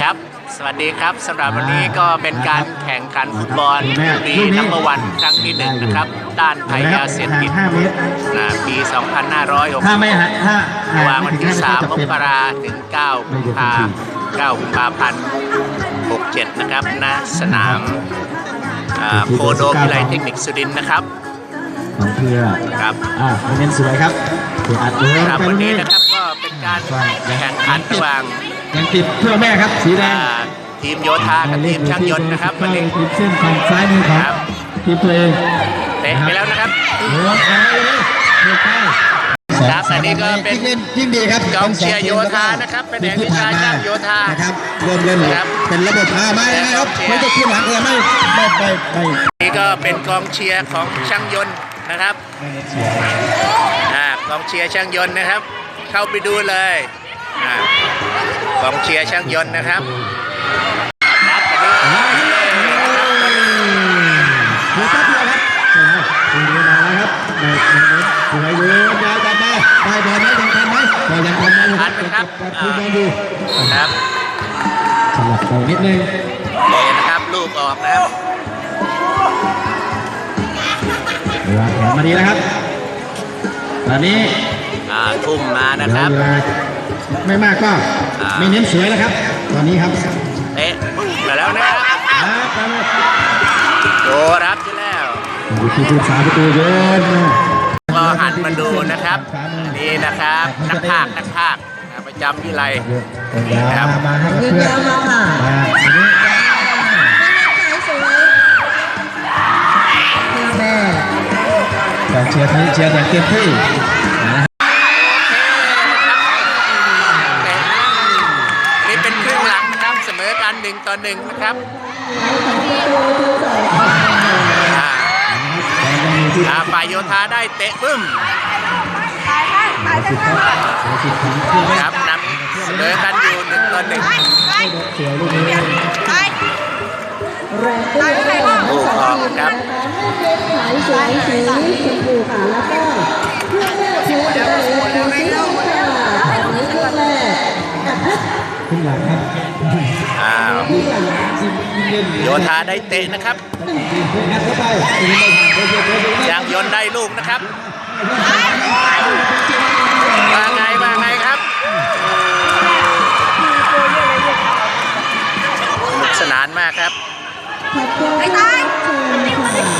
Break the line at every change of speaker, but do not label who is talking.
ครับสวัสดีครับสำหรับวันนี้ก็เป็นการแข่งขันฟุตบอลปีนัมเบอร์วันครั้งที่1นะครับต้านภัยยาเสพติดปี 2560ระหว่างวันที่ 3 มกราถึง 9 กุมภาพันธ์ 67 นะครับณสนามโคโดวิไลเทคนิคสุรินทร์นะครับ
ของเพื่อ
ครับ
เน้นสวยครับ
ครับวันนี้นะครับก็เป็นการแข่งขันระหว่าง
ยังติดเพื่อแม่ครับสีแดง
ทีมโยธากับทีมช่างยนต์นะครับวันนี้
ทีมเส้นฝั่งซ้ายมือของทีมตัวเอง
เตะไปแล้วนะครับครับอันนี้ก็เป็น
ยิ่งดีครับ
กองเชียร์โยธานะครับเป็นแห่งวิชาช่างโยธา
นะครับรวมเล่นเป็นระบบไม่นะครับไม่จะขึ้นหลังเลยไม่
นี่ก็เป็นกองเชียร์ของช่างยนต์นะครับกองเชียร์ช่างยนต์นะครับเข้าไปดูเลยกองเชียร์ช่างยนต์นะครับ
สวยดูยาวจัดมาได้บอลไหมยังทันไหมยังทันไหม
ครับครับ
สลับไปนิดนึง
นี่นะครับลูกออกแล้ว
วางแผนมาดีนะครับตอนนี้
ทุ่มมานะครับ
ไม่มากก็ไม่เน้นสวยแล้วครับตอนนี้ครับ
เตะมาแล้วนะครับโดรับที่แล้ว
ที่ผู้สาประตูโยน
ก็หันมาดูนะครับนี่นะครับนักพากย์ประจำวิไล
ครับมาให้เพื่อนการเชียร์อย่างเต็มที่
นี่เป็นครึ่งหลังนะครับเสมอกัน1-1นะครับฝ่ายโยธาได้เตะบึ้มครับนำเสมอกันอยู่1-1ลูกออกครับโยธาได้เตะนะครับช่างยนต์ได้ลูกนะครับว่าไงครับสนุกสนานมากครับ